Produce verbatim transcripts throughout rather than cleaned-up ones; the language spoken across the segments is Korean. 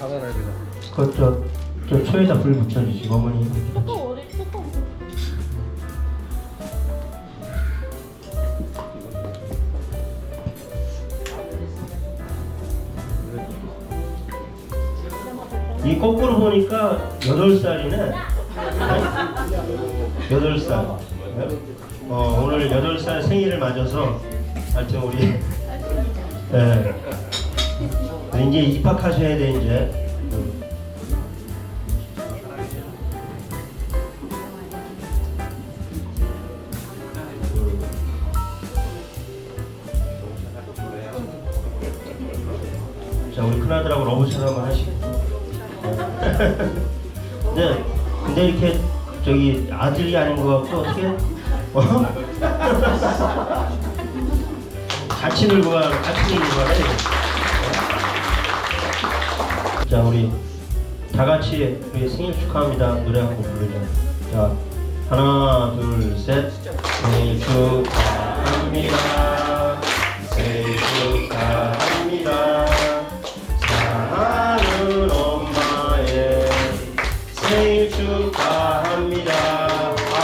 닫아놔야 되나? 그저 저 초에다 불 붙여주시고 어머니. 또 어디 또 이 거꾸로 보니까 여덟 살이네. 여덟 살. 어 오늘 여덟 살 생일을 맞아서 하여튼 우리 예. 이제 입학하셔야 돼 이제. 자 우리 큰아들하고 러브샷 한번 하시고. 네, 근데 이렇게 저기 아들이 아닌 것 같고 어떻게? 어? 같이 놀고 가, 같이 놀고 가네. 자 우리 다 같이 우리 생일 축하합니다 노래 한 곡 부르자. 자 하나 둘 셋. 생일 축하합니다. 생일 축하합니다. 사랑하는 엄마의 생일 축하합니다. 아,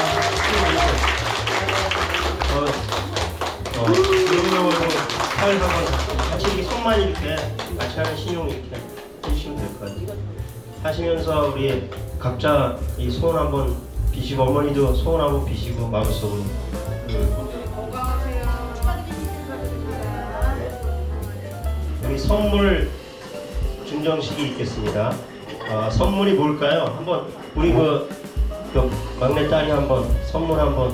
어, 어, 그리고 팔 한번 같이 이렇게 손만 이렇게 같이 하는 신용 이렇게 해주시면 될 것 같아요. 하시면서 우리 각자 이 소원 한번 비시고 어머니도 소원 한번 비시고 마음속으로. 음. 우리 선물 증정식이 있겠습니다. 아, 선물이 뭘까요? 한번 우리 그, 그 막내 딸이 한번 선물 한번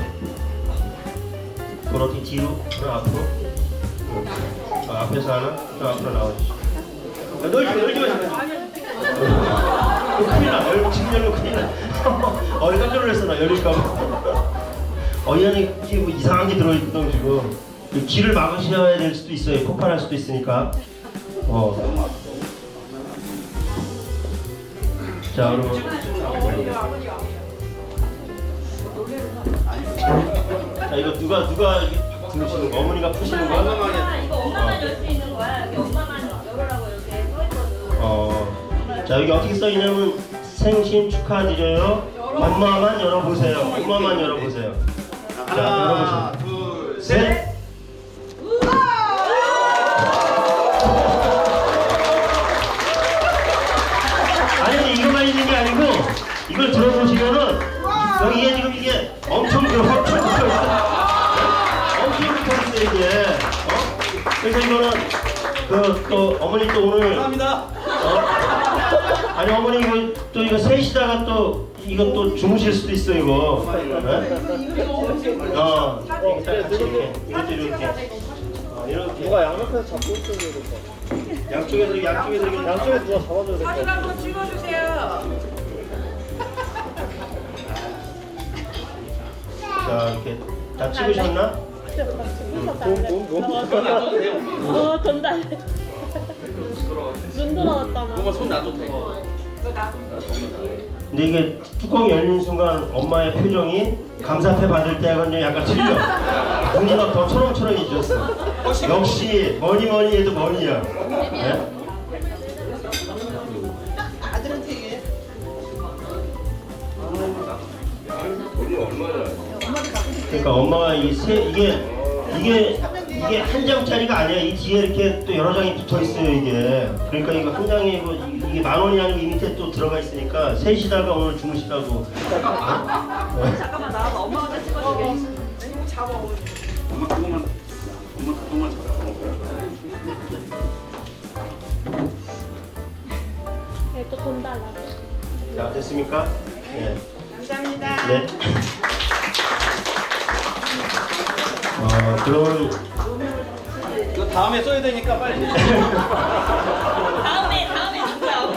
그렇게 뒤로 그럼 앞으로 아, 앞에서 하나 좀 앞으로 나와주시죠. 아, 놀지 마 놀지 마 큰일 나 열, 지금 열면 큰일 나. 어이 깜짝 놀랐어 나 열릴까봐. 어이 안에 뭐 이상한 게 들어있던 지금 길을 막으셔야 될 수도 있어요. 폭발할 수도 있으니까. 어. 자, 그럼. 자, 이거 누가 누가 들으시는 거? 어머니가 푸시는 거야? 엄마가 이거 엄마만 열 수 있는 거야. 여기 엄마만 열으라고 이렇게 써 있거든. 어. 자, 여기 어떻게 써 있냐면 생신 축하드려요. 엄마만 열어보세요. 엄마만 열어보세요. 자, 하나, 열어보세요. 둘, 셋. 셋. 아니 이거만 있는 게 아니고 이걸 들어보시면은 여기에 지금 이게 엄청 그 엄청 붙어 있어. 엄청 붙어 있어 이게. 어? 그래서 이거는 그 또 어머니 또 오늘 감사합니다. 어? 아니 어머니 이거 또 이거 셋이다가 또 이거 또 주무실 수도 있어 이거. 네? 어. 이거 딱 같이 이렇게 이것도 이렇게. 어, 이렇게. 누가 양옆에서 잡고 있어야 될 것 같아. 양쪽에서 양쪽에서 이렇게 양쪽에 누가 잡아줘야 될 것 사진 같아. 한번 찍어주세요. 자 이렇게 다 찍으셨나? 어, 돈 달래. 눈 돌아왔잖아. 뭔가 손 놔도 돼. 근데 이게 뚜껑이 열리는 순간 엄마의 표정이 감사패 받을 때하고는 약간 틀려. 눈이 막 더 초롱초롱해졌어. 역시 뭐니 뭐니 해도 뭐니야. 네? 아들한테 얘기해. 그러니까 엄마가 이 세 이게 이게 이게 한 장짜리가 아니야. 이 뒤에 이렇게 또 여러 장이 붙어 있어요 이게. 그러니까 이거 한 장에 뭐 이게 만 원이 아니고 이 밑에 또 들어가 있으니까 셋이다가 오늘 주무시라고. 잠깐만 나와봐. 엄마가 찍어주게. 이거 잡아. 엄마 그거만, 엄마 그거만 잡아. 또돈 달라. 자 됐습니까? 네. 감사합니다. 네. 어 그럼 이거 다음에 써야 되니까 빨리. 다음에 다음에 누구야?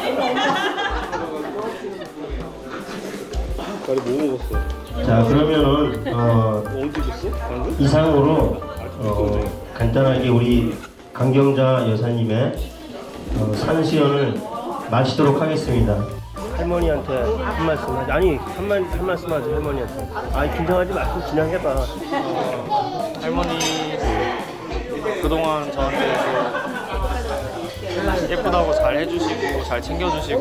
빨리 뭐 먹었어? 자 그러면은 어 언제 줬어? 방금? 이상으로 어, 간단하게 우리 강경자 여사님의 어, 산수연을 마치도록 하겠습니다. 할머니한테 한 말씀 하지. 아니 한, 말, 한 말씀 하지 할머니한테. 아니 긴장하지 말고 그냥 해봐. 할머니 그동안 저한테 예쁘다고 잘 해주시고 잘 챙겨주시고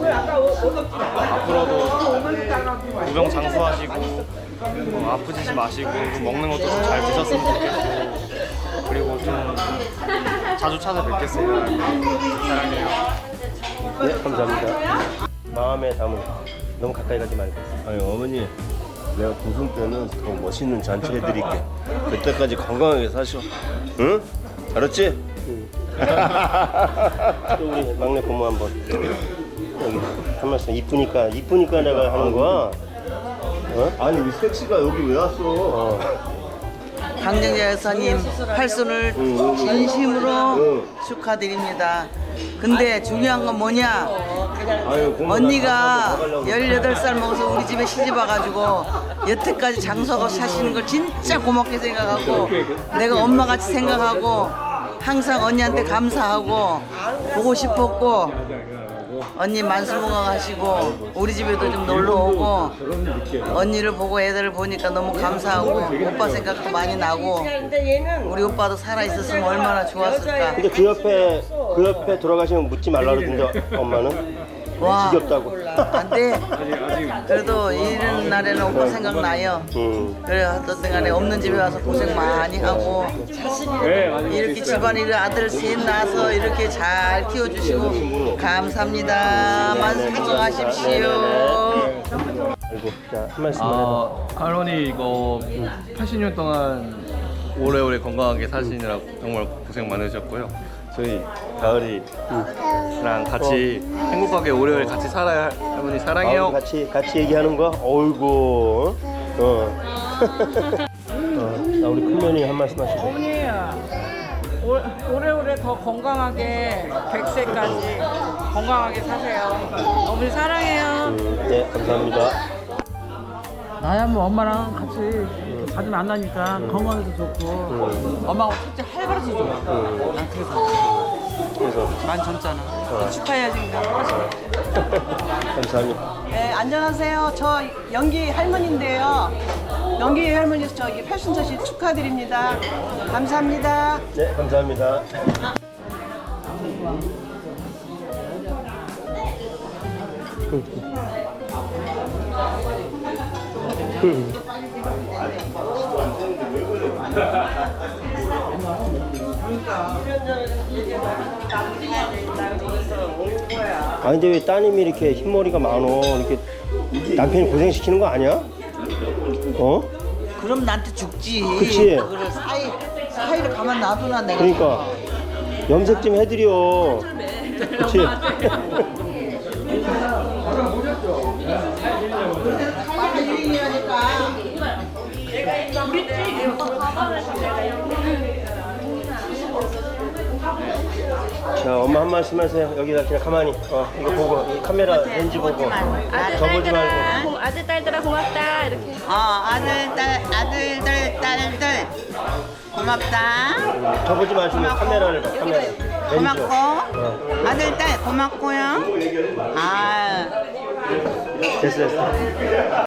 앞으로도 무병 장수하시고 어, 아프지 마시고 먹는 것도 좀 잘 드셨으면 좋겠고 그리고 좀 자주 찾아뵙겠습니다. 사랑해요. 네, 감사합니다. 마음에 담은 너무 가까이 가지 말고. 아니 어머니 내가 고승 때는 더 멋있는 잔치 해드릴게. 그때까지 건강하게 사셔. 응? 알았지? 또 우리 막내 고모 한번 여기 한 말씀. 이쁘니까 이쁘니까 내가 하는 거야. 어? 아니 우리 섹시가 여기 왜 왔어? 어. 강정재 여사님 팔순을 진심으로 축하드립니다. 근데 중요한 건 뭐냐? 아유, 공부 언니가 다 가려고. 열여덟 살 먹어서 우리 집에 시집 와가지고 여태까지 장수하고 사시는 걸 진짜 고맙게 생각하고 내가 엄마같이 생각하고 항상 언니한테 감사하고 보고 싶었고 언니 만수무강하시고 우리 집에도 좀 놀러 오고 언니를 보고 애들을 보니까 너무 감사하고 오빠 생각도 많이 나고 우리 오빠도 살아있었으면 얼마나 좋았을까. 근데 그 옆에 그 옆에 돌아가시면 묻지 말라 그러던데 엄마는 와, 지겹다고. 안돼. 그래도 이런 날에는 오빠 생각나요. 음. 그래 어떤 간에 없는 집에 와서 고생 많이 하고 이렇게 집안일 아들 셋 낳아서 이렇게 잘 키워주시고 감사합니다. 만수무강하십시오. 아이고, 자, 한 말씀만 해봐. 아, 할머니 이거 팔십 년 동안 오래오래 건강하게 사시느라 정말 고생 많으셨고요. 저희 가을이랑 같이 행복하게 오래오래 같이 살아야 할머니 사랑해요. 아, 같이 같이 얘기하는 거야? 어이구. 어. 어. 나 우리 큰면이 한 말씀 하시고. 어머니 오- 오래오래 더 건강하게 백 세까지 건강하게 사세요. 어머니 사랑해요. 음, 네, 감사합니다. 나야 뭐 엄마랑 같이 이렇게 자주 만나니까 건강해도 좋고 엄마하고 첫째 활발해서 좋아. 난 그래서 그래서 난 젊잖아. 축하해야지. 감사합니다. 네, 안녕하세요. 저 연기 할머니인데요. 연기 할머니 저기 팔순저씨 축하드립니다. 감사합니다. 네, 감사합니다. 아 근데 왜 따님이 이렇게 흰머리가 많어? 이렇게 남편이 고생시키는 거 아니야? 어? 그럼 나한테 죽지. 그치? 그걸 사이 사이를 가만 놔두나 내가. 그러니까 염색 좀 해드려. 그치? 자, 엄마 한 말씀 하세요. 여기다 그냥 가만히. 어, 이거 보고, 이 카메라 렌즈 보고. 접어지 말고. 고- 아들 딸들아 고맙다 이렇게. 어 아들 딸 아들들 딸들 고맙다. 접어지 마시고 카메라를 봐, 카메라. 렌즈. 고맙고 어. 아들 딸 고맙고요. 아. 됐어, 됐어.